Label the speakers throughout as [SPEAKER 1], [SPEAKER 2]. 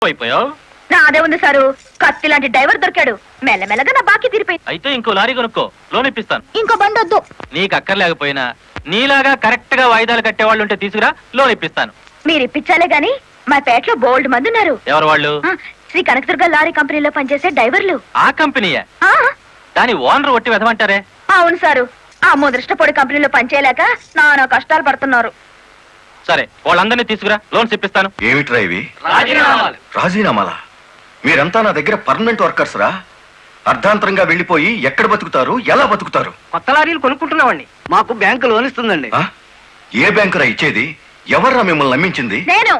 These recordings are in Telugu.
[SPEAKER 1] అయిపోయావు.
[SPEAKER 2] నాదే ఉంది సారు, కత్తి లాంటి డ్రైవర్ దొరికాడు. మెల్లమెల్లగా నా బాకీ తీరిపోయింది.
[SPEAKER 1] అయితే ఇంకో లారీ కొనుక్కో, లోన్ ఇప్పిస్తాను.
[SPEAKER 2] ఇంకో బండి వద్దు.
[SPEAKER 1] నీకు అక్కర్లేకపోయినా నీలాగా కరెక్ట్ గా వాయిదాలు కట్టేవాళ్ళు ఉంటే తీసుకురా, లోన్ ఇప్పిస్తాను.
[SPEAKER 2] మీరు ఇప్పించాలే గాని మా పేటలో బోల్డ్ మంది ఉన్నారు.
[SPEAKER 1] ఎవరు వాళ్ళు?
[SPEAKER 2] శ్రీ కనకదుర్గ లారీ కంపెనీలో పనిచేసే డ్రైవర్లు.
[SPEAKER 1] ఆ కంపెనీయా?
[SPEAKER 2] ఆ,
[SPEAKER 1] దాని ఓనర్ ఒట్టి వెదమంటారే.
[SPEAKER 2] అవును సారు, ఆ ముదృష్టపొడి కంపెనీలో పనిచేయలేక నానా కష్టాలు పడుతున్నారు.
[SPEAKER 1] సరే, వాళ్ళందరినీ తీసుకురా, లోన్స్ ఇప్పిస్తాను.
[SPEAKER 3] ఏమిట్రా ఇవి? రాజీనామాలా? మీరంతా నా దగ్గర పర్మనెంట్ వర్కర్స్ రా. అర్ధాంతరంగా వెళ్లిపోయి ఎక్కడ బతుకుతారు, ఎలా బతుకుతారు?
[SPEAKER 4] కొత్త లారీలు కొనుక్కుంటున్నామండి. మాకు బ్యాంకు లోన్ ఇస్తుందండి.
[SPEAKER 3] ఏ బ్యాంకురా ఇచ్చేది? ఎవర్రా మిమ్మల్ని నమ్మించింది?
[SPEAKER 2] నేను.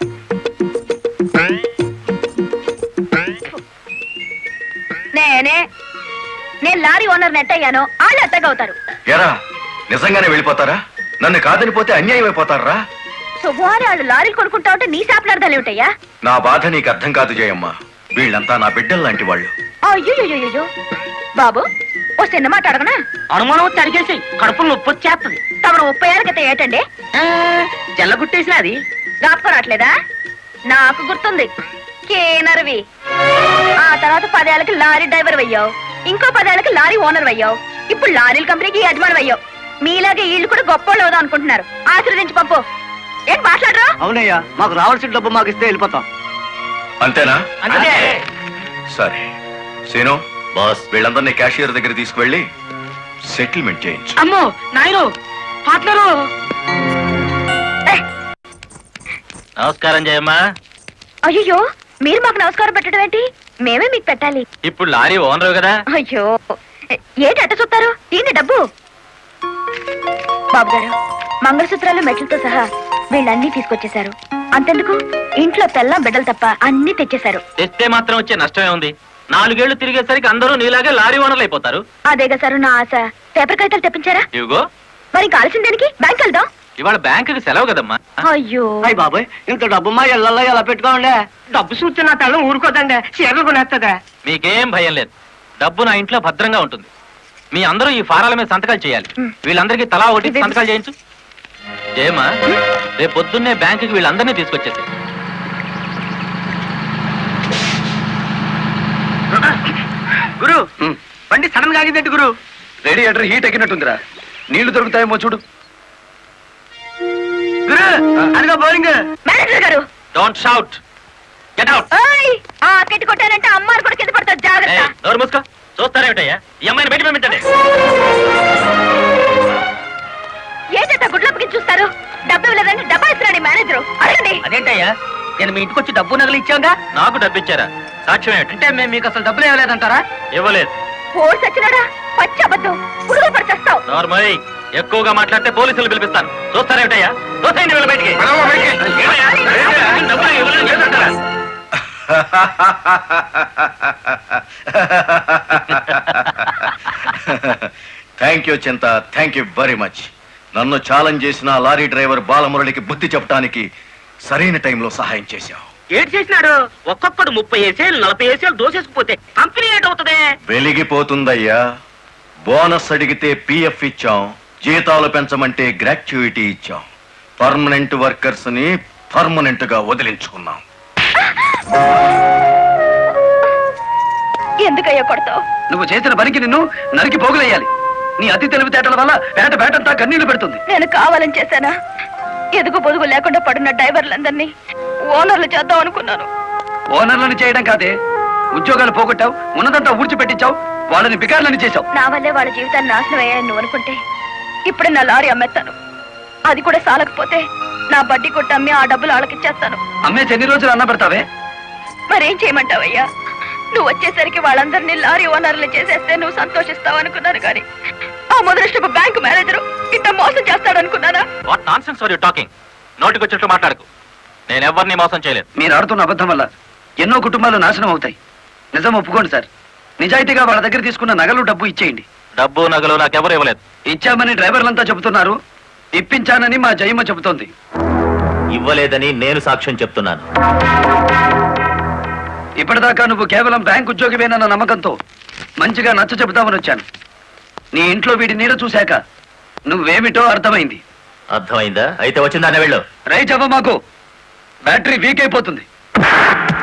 [SPEAKER 2] నేను లారీ ఓనర్ నెట్ అయ్యాను, వాళ్ళు ఎత్తగవుతారు.
[SPEAKER 3] ఎరా, నిజంగానే వెళ్ళిపోతారా? నన్ను కాదనిపోతే అన్యాయం అయిపోతారా?
[SPEAKER 2] శుభవారి వాళ్ళు లారీలు కొనుక్కుంటా ఉంటే నీ శాపలార్థాలు ఏమిటయ్యా?
[SPEAKER 3] నా బాధ నీకు అర్థం కాదు జయమ్మ. వీళ్ళంతా నా బిడ్డలు లాంటి వాళ్ళు.
[SPEAKER 2] అయ్యో బాబు, ఓ చిన్న మాట అడగనా?
[SPEAKER 4] అనుమానం తరిగేసి కడుపులు నొప్పి వచ్చేస్తుంది.
[SPEAKER 2] తమను 30 ఏళ్ళ క్రితం ఏటండి
[SPEAKER 4] జల్లగుట్టేసిన అది
[SPEAKER 2] జ్ఞాపకం రావట్లేదా? నాకు గుర్తుంది, కేనర్వి. ఆ తర్వాత 10 ఏళ్ళకి లారీ డ్రైవర్ అయ్యావు, ఇంకో 10 ఏళ్ళకి లారీ ఓనర్ అయ్యావు, ఇప్పుడు లారీల కంపెనీకి యజమాని అయ్యావు. మీలాగే వీళ్ళు కూడా గొప్ప అవుదాం అనుకుంటున్నారు. ఆశీర్వదించి పంపు. ఏంటి మాట్లాడరా?
[SPEAKER 4] అవునయ్యా, మాకు రావాల్సిన డబ్బు మాకు ఇస్తే వెళ్ళిపోతాం.
[SPEAKER 3] అంతేనా?
[SPEAKER 4] అంతే.
[SPEAKER 3] సరే సీను బాస్, వీళ్ళందరినీ క్యాషియర్ దగ్గర తీసుకువెళ్ళి సెటిల్మెంట్ చేయించు.
[SPEAKER 4] అమ్మో నాయను, పార్ట్నరు.
[SPEAKER 1] నమస్కారం జయమ్మా.
[SPEAKER 2] అయ్యో, మీరు మాకు నమస్కారం పెట్టడం ఏంటి? మేమే మీకు పెట్టాలి.
[SPEAKER 1] ఇప్పుడు లారీ ఓనర్ కదా.
[SPEAKER 2] అయ్యో, ఏంటి అట్ట చూస్తారు? ఏంటి డబ్బు? బాబు గారు, మంగళసూత్రాలు మెట్లతో సహా వీళ్ళన్నీ తీసుకొచ్చేశారు. అంతెందుకు, ఇంట్లో తెల్లం బిడ్డలు తప్ప అన్ని తెచ్చేశారు.
[SPEAKER 1] తెస్తే మాత్రం వచ్చే నష్టమే ఉంది. 4 ఏళ్లు తిరిగేసరికి అందరూ నీలాగే లారీ ఓనర్లు అయిపోతారు.
[SPEAKER 2] అదేగా సారు నా ఆశ. పేపర్ కాగితాలు తెప్పించారా?
[SPEAKER 1] ఇవిగో.
[SPEAKER 2] మరి కాల్సిన దానికి బ్యాంక్ వెళ్దాం.
[SPEAKER 1] ఇవాళ బ్యాంకుకి సెలవు కదమ్మా.
[SPEAKER 2] అయ్యో
[SPEAKER 4] అయ్యి బాబాయ్, ఇంత డబ్బు మా ఇళ్లలో ఎలా పెట్టుకోండి? డబ్బు చూస్తే నా తెల్లం ఊరుకోదండి, చీరలు కొనేస్తుందా?
[SPEAKER 1] మీకేం భయం లేదు, డబ్బు నా ఇంట్లో భద్రంగా ఉంటుంది. మీ అందరూ ఈ ఫారాల మీద సంతకాలు చేయాలి. వీళ్ళందరికీ తలా ఒకటి సంతకాలు చేయించు. జయమ్మా, రేపు పొద్దున్నే బ్యాంకుకి వీళ్ళందరినీ తీసుకొచ్చేసి.
[SPEAKER 4] గురు, బండి సడన్ గా ఆగిందండి గురు.
[SPEAKER 3] Radiator heat ఎక్కినట్టుందిరా. నీళ్లు దొరుకుతాయేమో చూడు.
[SPEAKER 4] గురు, అదిగో బౌలింగ్.
[SPEAKER 2] మేనేజర్ గారు,
[SPEAKER 1] డోంట్ షౌట్, గెట్ అవుట్.
[SPEAKER 2] ఆ కెట్టి కొట్టారంటే అమ్మారు కూడా కింద పడతారు, జాగ్రత్త.
[SPEAKER 1] నోరు మూసుకో. చూస్తారేమిటయ్యా, ఈ అమ్మాయిని బయట పంపించండి.
[SPEAKER 2] ఏంటంటే గుడ్లప్పకి చూస్తారు? డబ్బు ఇవ్వలేదంటే డబ్బా ఇస్తున్నాడు మేనేజరు. అడగండి.
[SPEAKER 4] అదేంటయ్యా, నేను మీ ఇంటికి వచ్చి డబ్బు నగలు ఇచ్చాగా?
[SPEAKER 1] నాకు డబ్బు ఇచ్చారా? సాక్ష్యం ఏమిటి?
[SPEAKER 4] అంటే మేము మీకు అసలు డబ్బులు ఇవ్వలేదంటారా?
[SPEAKER 1] ఇవ్వలేదు.
[SPEAKER 2] పోలీసు వచ్చినాడా? పచ్చి అబద్ధం, పురుగు పడిచేస్తావు.
[SPEAKER 1] నార్మల్, ఎక్కువగా మాట్లాడితే పోలీసులు పిలిపిస్తాను. చూస్తారేమిటయ్యా? చూస్తాయండి వీళ్ళ బయటికి. డబ్బులు ఇవ్వలేదు చేస్తారా?
[SPEAKER 3] Thank you Chinta, thank you very much. నన్ను ఛాలెంజ్ చేసిన లారీ డ్రైవర్ బాలమురళికి బుద్ధి చెప్పడానికి సరైన టైంలో సహాయం చేశావు.
[SPEAKER 4] ఏడు చేసినాడు? ఒక్కొక్కడు 30 ఏసేలు 40 ఏసేలు దోసేసుకుపోతే కంపెనీ ఏటవుతుంది?
[SPEAKER 3] వెలిగిపోతుందయ్యా. బోనస్ అడిగితే పిఎఫ్ ఇచ్చాం, జీతాలు పెంచమంటే గ్రాట్యుయిటీ ఇచ్చాం. పర్మనెంట్ వర్కర్స్ ని పర్మనెంట్ గా వదిలించుకున్నాం.
[SPEAKER 2] ఎందుకయ్యా కొడతావు?
[SPEAKER 4] నువ్వు చేసిన పనికి నిన్ను నరికి పోగులేయాలి. నీ అతి తెలివితేటల వల్ల బేటంతా కన్నీళ్లు పెడుతుంది.
[SPEAKER 2] నేను కావాలని చేశానా? ఎదుగు పొదుగు లేకుండా పడున్న డ్రైవర్లందరినీ ఓనర్లు చేద్దాం అనుకున్నాను.
[SPEAKER 4] ఓనర్లను చేయడం కాదే, ఉద్యోగాలు పోగొట్టావు, ఉన్నదంతా ఊడ్చిపెట్టించావు, వాళ్ళని బికార్లని చేశావు.
[SPEAKER 2] నా వల్లే వాళ్ళ జీవితాన్ని నాశనం అయ్యాయని నువ్వు అనుకుంటే ఇప్పుడు నా లారీ అమ్మేస్తాను. అది కూడా సాలకపోతే నా బడ్డీ కొట్టి అమ్మి ఆ డబ్బులు వాళ్ళకిచ్చేస్తాను.
[SPEAKER 4] అమ్మేసి ఎన్ని రోజులు అన్న పెడతావే?
[SPEAKER 2] మరేం చేయమంటావయ్యా? నువ్వు వచ్చేసరికి వాళ్ళందరినీ లారీ ఓనర్లు చేసేస్తే నువ్వు సంతోషిస్తావు అనుకున్నాను, కానీ ఆ మొదలష్టపు బ్యాంకు మేనేజరు ఇట్లా మోసం చేస్తాడనుకున్నానా?
[SPEAKER 1] What nonsense are you talking? నోటికొచ్చినట్టు మాట్లాడకు. నేను ఎవరిని మోసం చేయలేదు.
[SPEAKER 4] మీరు ఆడుతున్న అబద్ధం వల్ల ఎన్నో కుటుంబాలు నాశనం అవుతాయి. నిజం ఒప్పుకోండి సార్. నిజాయితీగా వాళ్ళ దగ్గర తీసుకున్న నగలు డబ్బు ఇచ్చేయండి.
[SPEAKER 1] డబ్బు నగలు నాకెవరు ఇవ్వలేదు.
[SPEAKER 4] ఇచ్చామని డ్రైవర్లంతా చెబుతున్నారు, ఇప్పించానని మా జయమ్మ చెబుతోంది.
[SPEAKER 5] ఇవ్వలేదని నేను సాక్ష్యం చెప్తున్నాను.
[SPEAKER 4] ఇప్పటిదాకా నువ్వు కేవలం బ్యాంక్ ఉద్యోగివేనన్న నమ్మకంతో మంచిగా నచ్చ చెబుతామని వచ్చాను. నీ ఇంట్లో వీడి నీడ చూశాక నువ్వేమిటో అర్థమైంది.
[SPEAKER 5] అర్థమైందా? అయితే వచ్చిందానే వెళ్ళు.
[SPEAKER 4] రైట్ అవ్వ, మాకు బ్యాటరీ వీక్ అయిపోతుంది.